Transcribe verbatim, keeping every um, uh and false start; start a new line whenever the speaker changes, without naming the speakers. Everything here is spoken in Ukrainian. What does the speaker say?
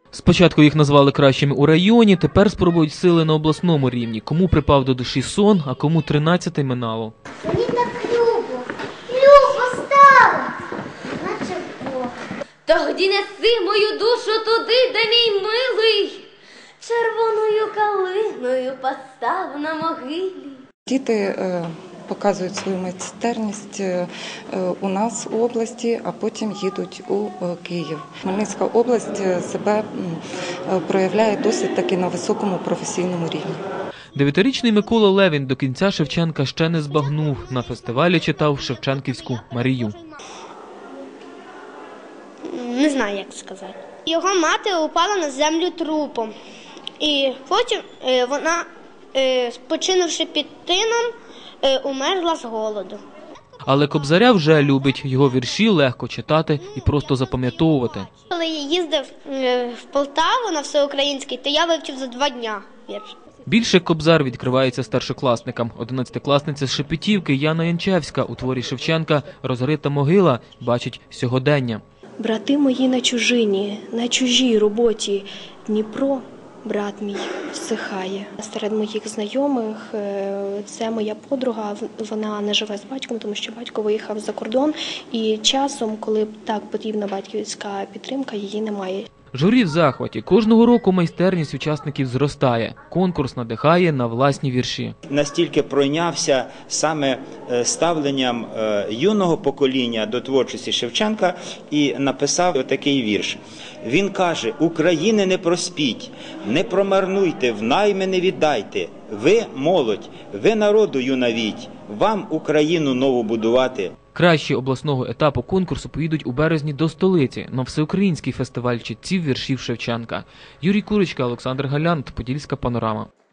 Спочатку їх назвали кращими у районі, тепер спробують сили на обласному рівні. Кому припав до душі сон, а кому тринадцяте минало.
Мені так любо, любо стало, наче Бог.
Тоді неси мою душу туди, де мій милий, червоною калиною постав на могилі.
Діти е, показують свою майстерність е, у нас у області, а потім їдуть у е, Київ. Хмельницька область себе е, проявляє досить таки на високому професійному рівні.
Дев'ятирічний Микола Левін до кінця Шевченка ще не збагнув. На фестивалі читав Шевченківську Марію.
Не знаю, як сказати. Його мати упала на землю трупом. І потім вона, спочинувши під тином, умерла з голоду.
Але Кобзаря вже любить. Його вірші легко читати і просто запам'ятовувати.
Коли я їздив в Полтаву на всеукраїнський, то я вивчив за два дня вірш.
Більше Кобзар відкривається старшокласникам. Одинадцятикласниця з Шепетівки Яна Янчевська у творі Шевченка «Розрита могила» бачить сьогодення.
Брати мої на чужині, на чужій роботі. Дніпро, брат мій, всихає. Серед моїх знайомих це моя подруга, вона не живе з батьком, тому що батько виїхав за кордон. І часом, коли так потрібна батьківська підтримка, її немає.
Журі в захваті. Кожного року майстерність учасників зростає. Конкурс надихає на власні вірші.
Настільки пройнявся саме ставленням юного покоління до творчості Шевченка і написав отакий вірш. Він каже: «України не проспіть, не промарнуйте, в найми не віддайте. Ви молодь, ви народу юнавіть, вам Україну нову будувати».
Кращі обласного етапу конкурсу поїдуть у березні до столиці на всеукраїнський фестиваль читців віршів Шевченка. Юрій Курочка, Олександр Галянт, Подільська панорама.